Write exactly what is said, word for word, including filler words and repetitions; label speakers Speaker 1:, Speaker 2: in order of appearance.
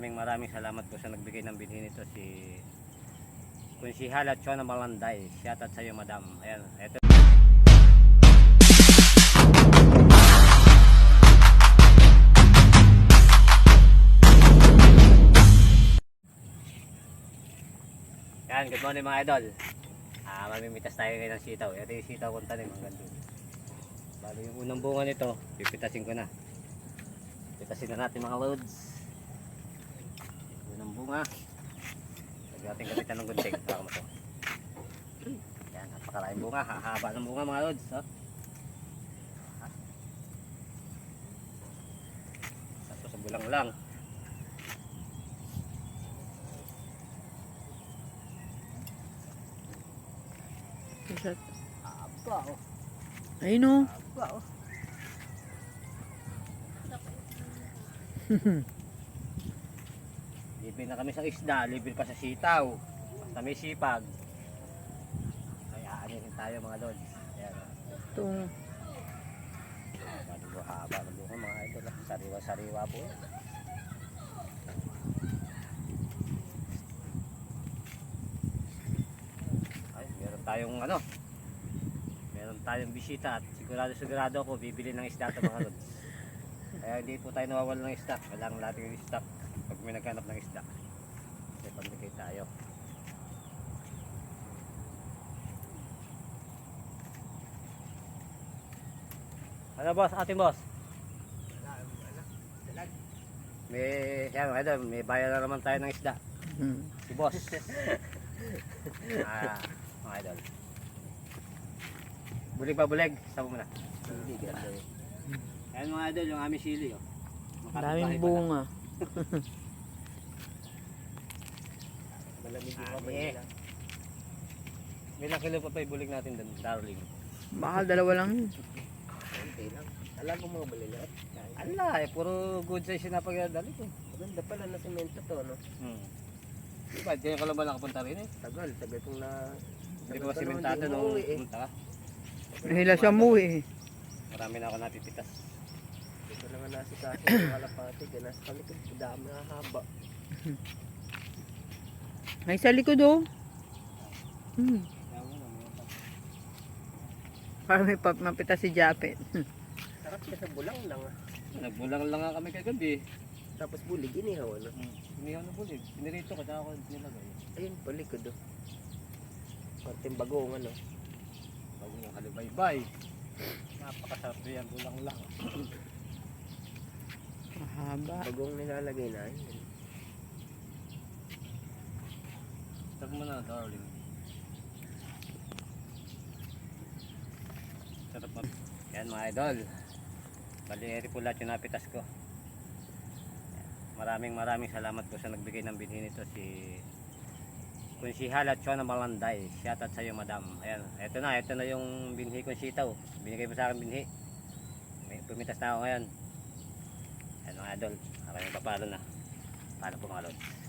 Speaker 1: Maraming maraming salamat po sa nagbigay ng binhi nito, si Konsihala Chona Malanday. Shoutout sa iyo, madam. Ayan, eto. Yan, good morning mga idol. Ah, mamimitas tayo ngayon ng sitaw. Ito yung sitaw kong tanim hanggang doon. Bali yung unang bunga nito, pipitasin ko na. Pitasin na natin mga loads. Unang bunga. Lagyan natin gamitan ng gunting. Saka mo to. Yan, napakalaking bunga. Hahaba ng bunga mga loads. Oh. Tapos sa bulang lang. Aba oh.
Speaker 2: Ayun o.
Speaker 1: Aba oh. Libre na kami sa isda, libre pa sa sitaw. Basta may sipag. Kaya anihin tayo mga lods. Ayan.
Speaker 2: Ito.
Speaker 1: Bago haba ng buko mga idol. Sariwa-sariwa po. Ay, meron tayong ano. Meron tayong bisita at sigurado sigurado ako bibili ng isda ito mga lods. Kaya hindi po tayo nawawala ng stock. Kailangan natin yung stock pag may naghanap ng isda. Kasi pambigay tayo. Ano boss? Ating boss? May, yan, idol, may bayan na naman tayo ng isda.
Speaker 2: Hmm.
Speaker 1: Si boss. Ah, mga idol. Bulig pa bulig. Sabo mo na. Bulig. Ayan mga idol, yung aming sili. Oh.
Speaker 2: Daming bunga.
Speaker 1: Malamig yung kamay nila. May ilang kilo pa pa ibulig natin doon, darling.
Speaker 2: Baka dalawa lang yun.
Speaker 1: Kunti lang. Alam mo mga balilat? Ala eh, puro good size yung napagdali ko.
Speaker 3: Maganda pala na semento to, no?
Speaker 1: Hmm. Diba, diyan ka lang ba nakapunta rin eh?
Speaker 3: Tagal, tagal kong na...
Speaker 1: Hindi ko ba simentado nung pumunta ka?
Speaker 2: Nahila siya muwi eh.
Speaker 1: Marami na ako napipitas.
Speaker 3: Ito na nga nasikaso ng kalapati, kaya nasa kalikod, dami na haba.
Speaker 2: Ay, sa likod oh. Hmm. Para may pap mapita si Japet.
Speaker 3: Sarap siya sa bulang lang, ah.
Speaker 1: Nagbulang lang nga kami kagabi.
Speaker 3: Tapos bulig, inihaw, ano?
Speaker 1: Hmm. Inihaw na bulig. Pinirito ko, tsaka ko nilagay.
Speaker 3: Ayun, palikod, oh. Konting bagong, ano?
Speaker 1: Bago yung kalibaybay. Napakasarap yan, bulang lang.
Speaker 2: Mahaba.
Speaker 3: Bagong nilalagay na, ayun.
Speaker 1: Sarap mo na, darling. Sarap mo. Yan mga idol. Bali, eri po lahat yung napitas ko. Maraming maraming salamat po sa nagbigay ng binhi nito, si Konsihala Chona Malanday. Shoutout sa iyo, madam. Ayan, eto na, eto na yung binhi kong sitaw. Binigay mo sa akin binhi. May pumitas na ako ngayon. Ayan mga idol, aking papalo na. Paano po mga lods?